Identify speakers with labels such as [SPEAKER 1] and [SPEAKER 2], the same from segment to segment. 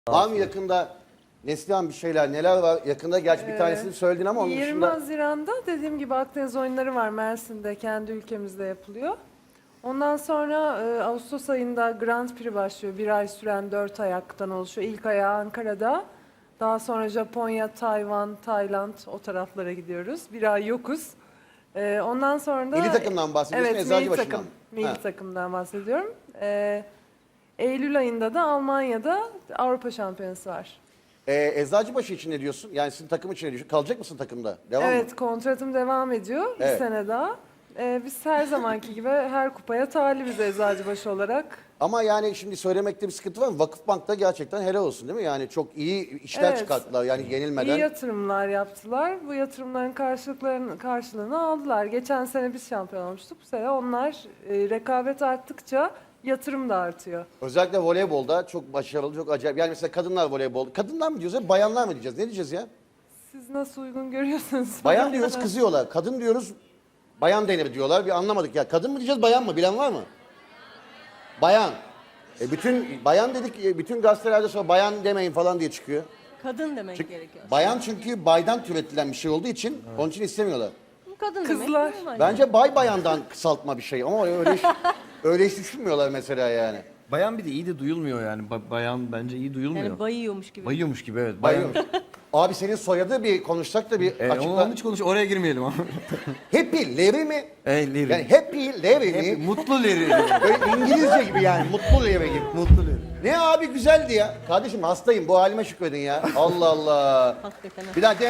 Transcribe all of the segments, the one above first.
[SPEAKER 1] Var mı yakında Neslihan bir şeyler, neler var? Yakında gerçi bir tanesini söyledin ama onun
[SPEAKER 2] 20
[SPEAKER 1] dışında...
[SPEAKER 2] Haziran'da dediğim gibi Akdeniz oyunları var, Mersin'de, kendi ülkemizde yapılıyor. Ondan sonra Ağustos ayında Grand Prix başlıyor. Bir ay süren 4 ayaktan oluşuyor. İlk ayağı Ankara'da. Daha sonra Japonya, Tayvan, Tayland o taraflara gidiyoruz. Bir ay yokuz. Ondan sonra da...
[SPEAKER 1] Milli takımdan bahsediyorsun,
[SPEAKER 2] Evet,
[SPEAKER 1] Eczacıbaşı'ndan.
[SPEAKER 2] milli takım. Milli
[SPEAKER 1] Ha.
[SPEAKER 2] takımdan bahsediyorum. Eylül ayında da Almanya'da Avrupa Şampiyonası var.
[SPEAKER 1] Eczacıbaşı için ne diyorsun? Yani sizin takım için ne diyorsun? Kalacak mısın takımda? Devam mı?
[SPEAKER 2] Evet, kontratım devam ediyor bir
[SPEAKER 1] Evet.
[SPEAKER 2] sene daha. Biz her zamanki gibi her kupaya talibiz Eczacıbaşı olarak.
[SPEAKER 1] Ama yani şimdi söylemekte bir sıkıntı var mı? Vakıfbank'ta gerçekten helal olsun değil mi? Yani çok iyi işler
[SPEAKER 2] Evet.
[SPEAKER 1] çıkarttılar yani yenilmeden.
[SPEAKER 2] İyi yatırımlar yaptılar. Bu yatırımların karşılığını aldılar. Geçen sene biz şampiyon olmuştuk. Bu sene onlar rekabet arttıkça yatırım da artıyor.
[SPEAKER 1] Özellikle voleybolda çok başarılı, çok acayip. Yani mesela kadınlar voleybol. Kadınlar mı diyeceğiz, bayanlar mı diyeceğiz? Ne diyeceğiz ya?
[SPEAKER 2] Siz nasıl uygun görüyorsunuz?
[SPEAKER 1] Bayan diyoruz, kızıyorlar. Kadın diyoruz, bayan denir diyorlar. Bir anlamadık ya. Kadın mı diyeceğiz, bayan mı? Bilen var mı? Bayan. Bütün bayan dedik, bütün gazetelerde sonra bayan demeyin falan diye çıkıyor.
[SPEAKER 3] Kadın demek gerekiyor.
[SPEAKER 1] Bayan çünkü baydan türetilen bir şey olduğu için onun için istemiyorlar.
[SPEAKER 3] Kadın
[SPEAKER 2] Kızlar.
[SPEAKER 3] demek.
[SPEAKER 1] Bence bay bayandan kısaltma bir şey ama öyle hiç düşünmüyorlar mesela yani.
[SPEAKER 4] Bayan bir de iyi de duyulmuyor yani. Bayan bence iyi duyulmuyor.
[SPEAKER 3] Yani bayıyormuş gibi.
[SPEAKER 4] Bayıyormuş gibi evet.
[SPEAKER 1] Bayım. Abi senin soyadı bir konuşsak da bir açıkla.
[SPEAKER 4] Onun hiç oraya girmeyelim ama.
[SPEAKER 1] Happy Larry mi?
[SPEAKER 4] Larry.
[SPEAKER 1] Yani Happy Larry mi?
[SPEAKER 4] Mutlu Larry.
[SPEAKER 1] Böyle İngilizce gibi yani. Mutlu Larry gibi.
[SPEAKER 4] Mutlu Larry.
[SPEAKER 1] Ne abi güzeldi ya. Kardeşim hastayım. Bu halime şükredin ya. Allah Allah.
[SPEAKER 3] Hakikaten.
[SPEAKER 1] Bir daha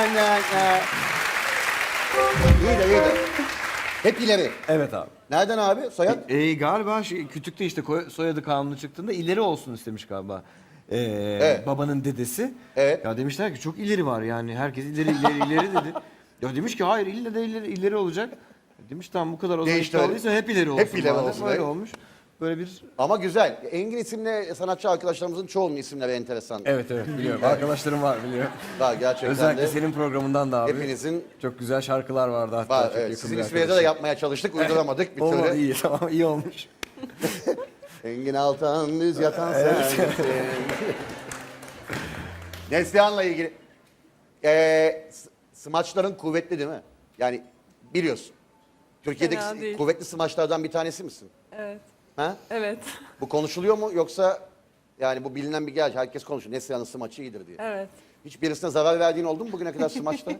[SPEAKER 1] İyi de iyi de. Happy Larry.
[SPEAKER 4] Evet abi.
[SPEAKER 1] Nereden abi? Soyad?
[SPEAKER 4] Galiba Kütük'te işte soyadı kanunu çıktığında ileri olsun istemiş galiba.
[SPEAKER 1] Evet.
[SPEAKER 4] Babanın dedesi.
[SPEAKER 1] Evet.
[SPEAKER 4] Ya demişler ki çok ileri var yani herkes ileri dedi. Ya demiş ki hayır ille de ileri olacak. Demiş tamam bu kadar o zaman
[SPEAKER 1] Değişti öyle.
[SPEAKER 4] olduysa hep ileri olsun.
[SPEAKER 1] Hep ileri
[SPEAKER 4] madem.
[SPEAKER 1] olsun,
[SPEAKER 4] Öyle
[SPEAKER 1] evet.
[SPEAKER 4] olmuş. Böyle bir...
[SPEAKER 1] Ama güzel. Engin isimli sanatçı arkadaşlarımızın çoğunun isimleri enteresan.
[SPEAKER 4] Evet biliyorum. Arkadaşlarım var biliyorum.
[SPEAKER 1] Var gerçekten
[SPEAKER 4] Özellikle
[SPEAKER 1] de.
[SPEAKER 4] senin programından da abi.
[SPEAKER 1] Hepinizin
[SPEAKER 4] Çok güzel şarkılar vardı hatta.
[SPEAKER 1] var.
[SPEAKER 4] çok
[SPEAKER 1] Evet.
[SPEAKER 4] yakın
[SPEAKER 1] Sizin
[SPEAKER 4] bir
[SPEAKER 1] isminize de
[SPEAKER 4] arkadaşım.
[SPEAKER 1] yapmaya çalıştık. Uyduramadık bir
[SPEAKER 4] Olmadı
[SPEAKER 1] türlü.
[SPEAKER 4] iyi tamam iyi olmuş.
[SPEAKER 1] Engin Altan düz yatan sensin. Neslihan'la ilgili. Smaçların kuvvetli değil mi? Yani biliyorsun. Türkiye'deki
[SPEAKER 2] Fena değil.
[SPEAKER 1] kuvvetli smaçlardan bir tanesi misin?
[SPEAKER 2] Evet.
[SPEAKER 1] Ha?
[SPEAKER 2] Evet.
[SPEAKER 1] Bu konuşuluyor mu yoksa yani bu bilinen bir gerçek herkes konuşuyor. Neslihan'ın smaçı iyidir diye.
[SPEAKER 2] Evet.
[SPEAKER 1] Hiç birisine zarar verdiğin oldu mu bugüne kadar smaçta?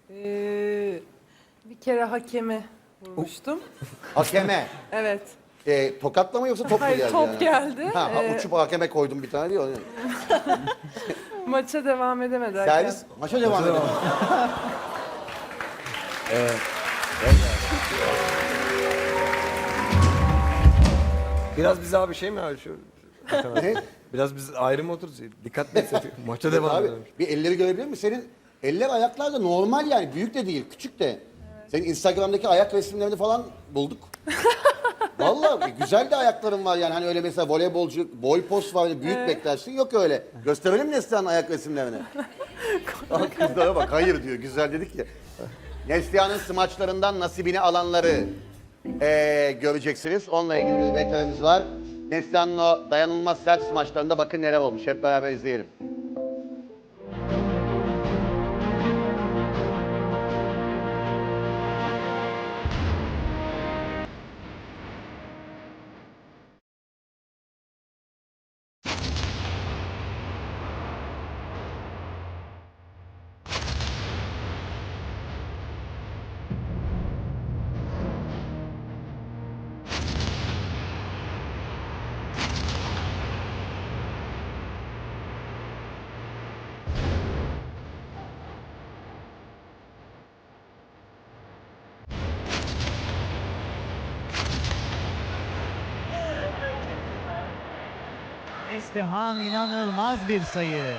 [SPEAKER 2] Bir kere hakemi vurmuştum.
[SPEAKER 1] Hakeme.
[SPEAKER 2] Evet.
[SPEAKER 1] Tokatla mı yoksa top mu
[SPEAKER 2] Hayır,
[SPEAKER 1] geldi?
[SPEAKER 2] top
[SPEAKER 1] yani?
[SPEAKER 2] geldi.
[SPEAKER 1] Ha, uçup hakeme koydum bir tane diyor.
[SPEAKER 2] Maça devam edemedi hakem.
[SPEAKER 1] Servis maça devam edelim.
[SPEAKER 4] Biraz bize abi şey mi abi şu...
[SPEAKER 1] Ne?
[SPEAKER 4] Biraz biz ayrı mı otururuz? Dikkat mi etsek? Maça devam
[SPEAKER 1] Abi
[SPEAKER 4] edelim.
[SPEAKER 1] bir elleri görebilir misin? Senin eller ayaklar da normal yani. Büyük de değil, küçük de. Senin Instagram'daki ayak resimlerini falan bulduk. Vallahi güzel de ayakların var yani. Hani öyle mesela voleybolcu boy post var, öyle büyük beklersin. Yok öyle. Gösterelim mi Neslihan'ın ayak resimlerini? Kızlara bak, hayır diyor. Güzel dedik ya. Neslihan'ın smaçlarından nasibini alanları göreceksiniz. Onunla ilgili bir veterimiz var. Neslihan'ın o dayanılmaz sert smaçlarında bakın neler olmuş. Hep beraber izleyelim.
[SPEAKER 5] Neslihan inanılmaz bir sayı.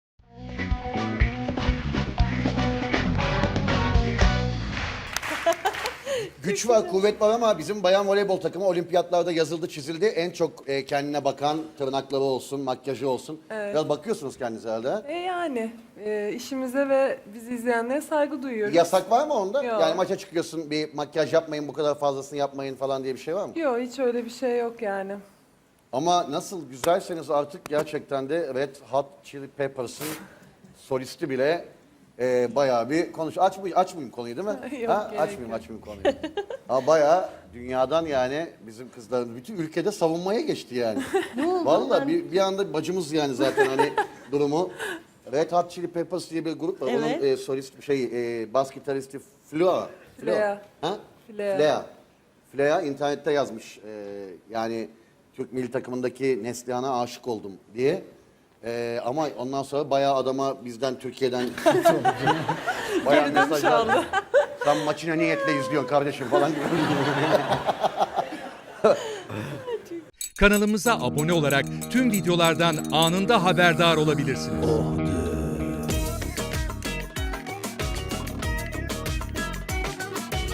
[SPEAKER 1] Güç var, kuvvet var ama bizim bayan voleybol takımı olimpiyatlarda yazıldı, çizildi. En çok kendine bakan tırnakları olsun, makyajı olsun. Biraz bakıyorsunuz kendinize herhalde. Ha?
[SPEAKER 2] Yani işimize ve bizi izleyenlere saygı duyuyoruz.
[SPEAKER 1] Yasak var mı onda?
[SPEAKER 2] Yok.
[SPEAKER 1] Yani maça çıkıyorsun, bir makyaj yapmayın, bu kadar fazlasını yapmayın falan diye bir şey var mı?
[SPEAKER 2] Yok, hiç öyle bir şey yok yani.
[SPEAKER 1] Ama nasıl güzelseniz artık gerçekten de Red Hot Chili Peppers'ın solisti bile bayağı bir açmayayım konuyu değil mi?
[SPEAKER 2] Yok, gerek
[SPEAKER 1] Açmayayım konuyu. Ha, bayağı dünyadan yani bizim kızların bütün ülkede savunmaya geçti yani.
[SPEAKER 3] Ne oldu?
[SPEAKER 1] Vallahi bir anda bacımız yani zaten hani durumu. Red Hot Chili Peppers diye bir grup var.
[SPEAKER 3] Evet.
[SPEAKER 1] Onun solist bas gitaristi Flea.
[SPEAKER 2] Flea.
[SPEAKER 1] Ha?
[SPEAKER 2] Flea.
[SPEAKER 1] Flea internette yazmış. Yani Türk milli takımındaki Neslihan'a aşık oldum diye. Ama ondan sonra bayağı adama bizden Türkiye'den bayağı mesajlar. Sen maçı ne niyetle izliyorsun kardeşim falan gibi.
[SPEAKER 6] Kanalımıza abone olarak tüm videolardan anında haberdar olabilirsiniz.